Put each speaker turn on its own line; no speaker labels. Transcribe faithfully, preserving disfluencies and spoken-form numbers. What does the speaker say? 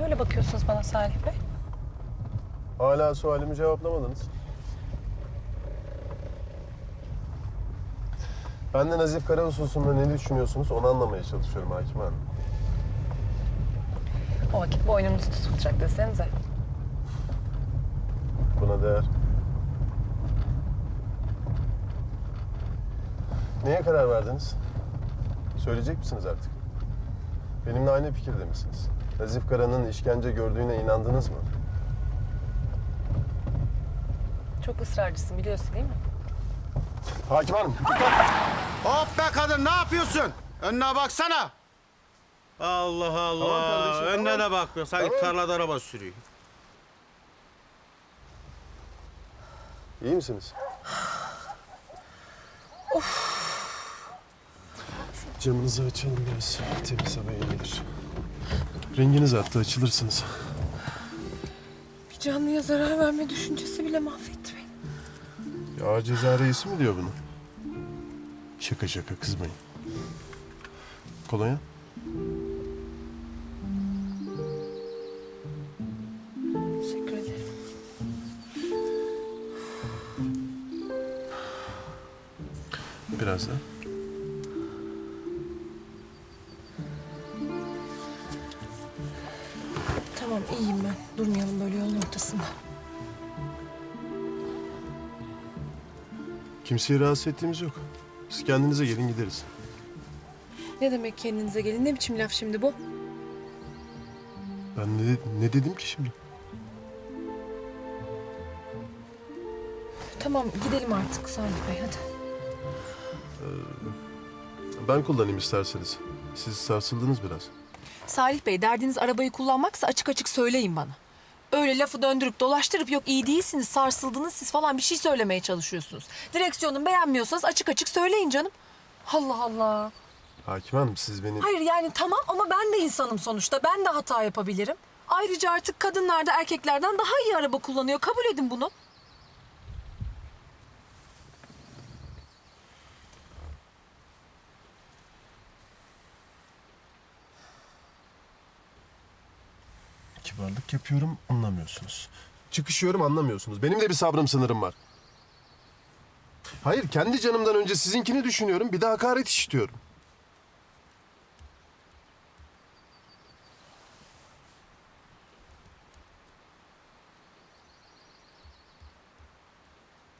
öyle bakıyorsunuz bana Salih Bey?
Hala sualimi cevaplamadınız. Ben de Nazif Kara hususunda ne düşünüyorsunuz onu anlamaya çalışıyorum Hakim Hanım.
O vakit boynunuz tutulacak desenize.
Buna değer. Neye karar verdiniz? Söyleyecek misiniz artık? Benimle aynı fikirde misiniz? Nazif Kara'nın işkence gördüğüne inandınız mı?
Çok ısrarcısın biliyorsun değil mi?
Hakim Hanım!
Hop be kadın, ne yapıyorsun? Önüne baksana. Allah Allah.
Tamam kardeşim,
Önüne
tamam.
de bakmıyor. Sanki
Tamam.
tarlada araba sürüyor.
İyi misiniz? Camınızı açalım biraz. Temiz hava iyi gelir. Renginiz arttı, açılırsınız.
Bir canlıya zarar verme düşüncesi bile mahvetti beni.
Ya ceza reisi mi diyor bunu? Şaka şaka kızmayın. Kolonya?
Teşekkür ederim.
Biraz da.
Tamam iyiyim ben. Durmayalım böyle yolun ortasında.
Kimseyi rahatsız ettiğimiz yok. Siz kendinize gelin gideriz.
Ne demek kendinize gelin? Ne biçim laf şimdi bu?
Ben ne, ne dedim ki şimdi?
Tamam gidelim artık Salih Bey hadi.
Ben kullanayım isterseniz. Siz sarsıldınız biraz.
Salih Bey derdiniz arabayı kullanmaksa açık açık söyleyin bana. Öyle lafı döndürüp dolaştırıp yok iyi değilsiniz, sarsıldınız siz falan bir şey söylemeye çalışıyorsunuz. Direksiyonu beğenmiyorsanız açık açık söyleyin canım. Allah Allah.
Hakim Hanım siz beni...
Hayır yani tamam ama ben de insanım sonuçta. Ben de hata yapabilirim. Ayrıca artık kadınlar da erkeklerden daha iyi araba kullanıyor. Kabul edin bunu.
Kibarlık yapıyorum, anlamıyorsunuz. Çıkışıyorum, anlamıyorsunuz. Benim de bir sabrım sınırım var. Hayır, kendi canımdan önce sizinkini düşünüyorum. Bir de hakaret işitiyorum.